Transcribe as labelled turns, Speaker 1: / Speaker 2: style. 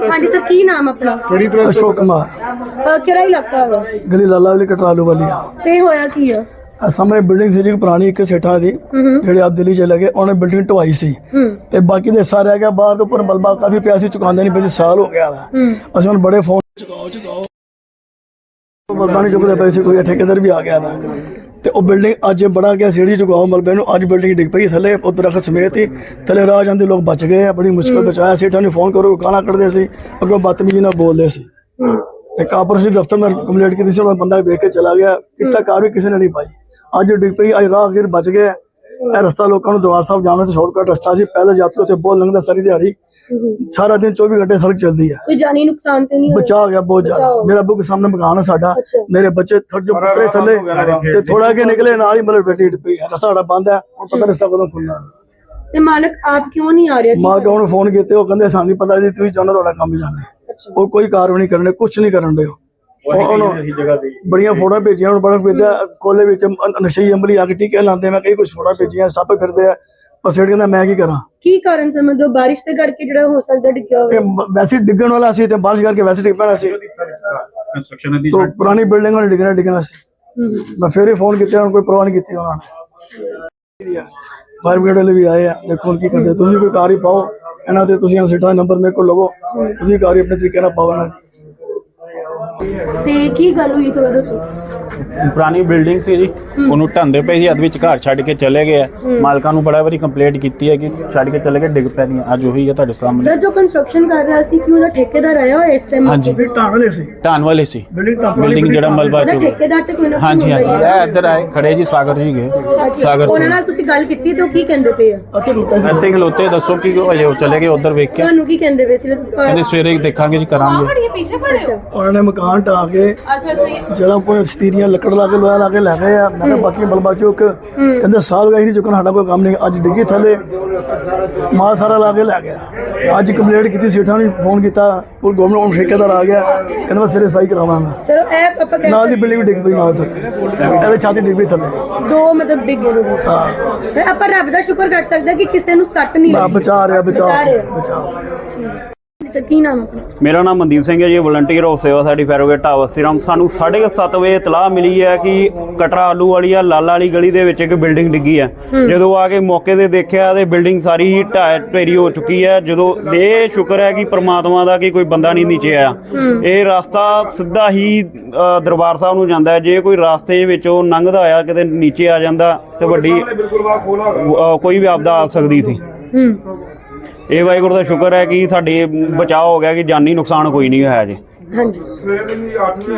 Speaker 1: हाँ जी सर, की नाम अपना?
Speaker 2: अशोक कुमार,
Speaker 1: केड़ा इलाका है?
Speaker 2: गली लाला वाली कटरालू वाली
Speaker 1: ते होया की है?
Speaker 2: सामने बिल्डिंग सी जी पुरानी एक सेठा दी ਜਿਹੜੇ ਆਪ ਦਿੱਲੀ ਚਲੇ ਗਏ ਉਹਨੇ ਬਿਲਡਿੰਗ ਢਵਾਈ ਸੀ ਤੇ ਬਾਕੀ ਦੇ ਹਿੱਸਾ ਰਹਿ ਗਿਆ ਬਾਹਰ ਦੇ ਉੱਪਰ ਮਲਬਾ ਕਾਫੀ ਪਿਆ ਸੀ ਚੁਕਾਉਂਦੇ ਨਹੀਂ ਪਏ ਸਾਲ ਹੋ ਗਿਆ ਵਾ ਅਸੀਂ ਹੁਣ ਬੜੇ ਫੋਨ ਚੁਕਾਓ ਮਲਬਾ ਨਹੀਂ ਚੁੱਕਦੇ ਪਏ ਸੀ ਕੋਈ ਠੇਕੇਦਾਰ ਵੀ ਆ ਗਿਆ ਵਾ ਤੇ ਉਹ ਬਿਲਡਿੰਗ ਅੱਜ ਬੜਾ ਗਿਆ ਸੀੜੀ ਚੁਕਾਓ ਮਲਬੇ ਨੂੰ ਅੱਜ ਬਿਲਡਿੰਗ ਡਿੱਗ ਪਈ ਥੱਲੇ ਉਹ ਦਰਖਤ ਸਮੇਤ ਹੀ ਥੱਲੇ ਰਾਹ ਜਾਂਦੇ ਲੋਕ ਬਚ ਗਏ ਆ ਬੜੀ ਮੁਸ਼ਕਲ ਬਚਾਇਆ ਸੇਠਾਂ ਨੂੰ ਫੋਨ ਕਰੋ ਗਾਲਾਂ ਕੱਢਦੇ ਸੀ ਅੱਗੋਂ ਬਦਤਮੀਜ਼ੀ ਨਾਲ ਬੋਲਦੇ ਸੀ ਤੇ ਕਾਰਪੋਰੇਸ਼ਨ ਦਫ਼ਤਰ में ਕੰਪਲੇਂਟ ਕੀਤੀ ਸੀ ਉਹਨਾਂ ਬੰਦਾ ਦੇਖ ਕੇ ਚਲਾ ਗਿਆ ਕਿਤਾ ਕਾਰ ਵੀ ਕਿਸੇ ਨੇ ਨਹੀਂ ਪਾਈ ਅੱਜ ਡਿੱਗ ਪਈ ਅੱਜ ਰਾਹਗੀਰ ਬਚ ਗਏ ਇਹ ਰਸਤਾ ਲੋਕਾਂ ਨੂੰ ਦਰਬਾਰ ਸਾਹਿਬ ਜਾਣ ਦਾ ਸ਼ਾਰਟਕਟ ਰਸਤਾ ਸੀ ਪਹਿਲੇ ਯਾਤਰੀ ਉੱਥੇ ਬਹੁਤ ਲੰਘਦਾ ਸਾਰੀ ਦਿਹਾੜੀ ਸਾਰਾ दिन 24 घंटे सड़क चलती है
Speaker 1: कोई जानी नुकसान तो नहीं
Speaker 2: बचा गया बहुत ज्यादा मेरे अबू के सामने मकान है साडा मेरे बच्चे जो पुत्रे थले ते थोड़ा के निकले नाल ही मतलब बेटी डुबी है रास्ता साडा बंद है और पता रास्ता कदों खुलना
Speaker 1: ते मालिक आप क्यों नहीं आ रहे?
Speaker 2: मालिक ने फोन कीते वो कहंदे सानू नहीं पता जी तुसी जानो थोड़ा काम ही जाने वो कोई कार्रवाई नहीं करने कुछ नहीं करन दे बड़िया फोटो भेजिया बड़ा भेजा कोले नशे अमली आके टीके लाते मैं कई कुछ फोटो भेजिया सप फिरते पर सेठ कहता मैं की करा
Speaker 1: की कारण समझो बारिश के करके जो हो सकता डिग्गा होवे
Speaker 2: वैसे डिगन वाला सी ते बारिश करके वैसे डिग पैना सी तो पुरानी बिल्डिंग वाले डिगना सी मैं फिर ही फोन किया कोई परवाह नहीं की उन्होंने फायर ब्रिगेड वाले भी आए हैं देखो की करते तुम कोई कार ही पाओ इन्हों से तुम सीटा नंबर मेरे को लवो तुम कार ही अपने तरीके पाओ इन्हों
Speaker 1: ਤੇ ਕੀ ਗੱਲ ਹੋਈ ਥੋੜਾ ਦੱਸੋ?
Speaker 3: ਪੁਰਾਣੀ ਬਿਲਡਿੰਗ ਸੀ ਜੀ ਉਹਨੂੰ ਢਾਂਦੇ ਪਏ ਸੀ ਅੱਧ ਵਿੱਚ ਘਰ ਛੱਡ ਕੇ ਚਲੇ ਗਏ ਆ ਮਾਲਕਾਂ ਨੂੰ ਬੜਾ ਵਾਰੀ ਕੰਪਲੇਂਟ ਕੀਤੀ ਹੈ ਕਿ ਛੱਡ ਕੇ ਚਲੇ ਗਏ ਡਿੱਗ ਪੈ ਨਹੀਂ ਅੱਜ ਉਹੀ ਹੈ ਤੁਹਾਡੇ ਸਾਹਮਣੇ
Speaker 1: ਸਰ ਜੋ ਕੰਸਟਰਕਸ਼ਨ ਕਰ ਰਿਹਾ ਸੀ ਕਿ ਉਹਦਾ ਠੇਕੇਦਾਰ ਆਇਆ ਹੋਇਆ ਇਸ ਟਾਈਮ?
Speaker 3: ਹਾਂਜੀ ਢਾਣ ਵਾਲੇ ਸੀ ਬਿਲਡਿੰਗ ਜਿਹੜਾ ਮਲਬਾ ਚ
Speaker 1: ਠੇਕੇਦਾਰ ਤੇ ਕੋਈ ਨਾ
Speaker 3: ਹਾਂਜੀ ਹਾਂਜੀ ਇਹ ਇੱਧਰ ਆਏ ਖੜੇ ਜੀ ਸਾਗਰ ਜੀ ਗਏ ਸਾਗਰ
Speaker 1: ਉਹਨਾਂ ਨਾਲ ਤੁਸੀਂ ਗੱਲ ਕੀਤੀ ਤਾਂ ਕੀ ਕਹਿੰਦੇ ਪਏ ਆ?
Speaker 3: ਇੱਥੇ ਖਲੋਤੇ ਦੱਸੋ ਕਿ ਉਹ ਅਜੇ ਚਲੇ ਗਏ ਉਧਰ ਵੇਖ ਕੇ
Speaker 1: ਤੁਹਾਨੂੰ ਕੀ ਕਹਿੰਦੇ ਪਏ ਸੀ?
Speaker 3: ਕਹਿੰਦੇ ਸਵੇਰੇ ਦੇਖਾਂਗੇ ਜੀ ਕਰਾਂਗੇ
Speaker 2: उन्होंने मकान ढा के जरा स्तीरियां लकड़ ला के लोहा ला के लै गए मैं कहा बाकी मलबा चुक कहते साल का ही नहीं चुकना साडा कोई काम नहीं अज डिग्गी थले माल सारा ला के लै गया अज कंप्लेंट की सेठा ने फोन किया गवर्नमेंट हूँ ठेकेदार आ गया कहते मैं सिरे सफाई करावांगा नाल दी बिल्डिंग भी डिग पई नाल थले छाती डिग पई थले
Speaker 1: दो मतलब डिग गए हां पर रब दा शुक्र कर सकदा कि किसी नु सट नहीं
Speaker 2: बचा रहा
Speaker 1: सर की नाम है?
Speaker 3: मेरा नाम मनदीप सिंह है जी वॉलंटियर ऑफ सेवा साडी फैरोगेट टावर सिरम सानू 7:30 ਵਜੇ ਇਤਲਾਹ ਮਿਲੀ ਹੈ ਕਿ ਕਟਰਾ ਆਲੂ ਵਾਲੀ ਆ ਲਾਲਾ ਵਾਲੀ ਗਲੀ ਦੇ ਵਿੱਚ ਇੱਕ ਬਿਲਡਿੰਗ ਡਿੱਗੀ ਹੈ ਜਦੋਂ ਆ ਕੇ ਮੌਕੇ ਤੇ ਦੇਖਿਆ ਤੇ ਬਿਲਡਿੰਗ ਸਾਰੀ ਢੇਰੀ ਹੋ ਚੁੱਕੀ ਹੈ ਜਦੋਂ ਇਹ ਸ਼ੁਕਰ ਹੈ ਕਿ ਪ੍ਰਮਾਤਮਾ ਦਾ ਕਿ ਕੋਈ ਬੰਦਾ ਨਹੀਂ ਨੀਚੇ ਆਇਆ ਇਹ ਰਸਤਾ ਸਿੱਧਾ ਹੀ ਦਰਬਾਰ ਸਾਹਿਬ ਨੂੰ ਜਾਂਦਾ ਹੈ ਜੇ ਕੋਈ ਰਸਤੇ ਵਿੱਚੋਂ ਲੰਘਦਾ ਹੋਇਆ ਕਿਤੇ ਨੀਚੇ ਆ ਜਾਂਦਾ ਤੇ ਵੱਡੀ ਕੋਈ ਵੀ ਆਪਦਾ ਆ ਸਕਦੀ ਸੀ ਇਹ ਵਾਹਿਗੁਰੂ ਦਾ ਸ਼ੁਕਰ ਹੈ ਕਿ ਸਾਡੇ ਬਚਾਅ ਹੋ ਗਿਆ ਕਿ ਜਾਨੀ ਨੁਕਸਾਨ ਕੋਈ ਨਹੀਂ ਹੋਇਆ ਜੀ।
Speaker 1: ਹਾਂਜੀ।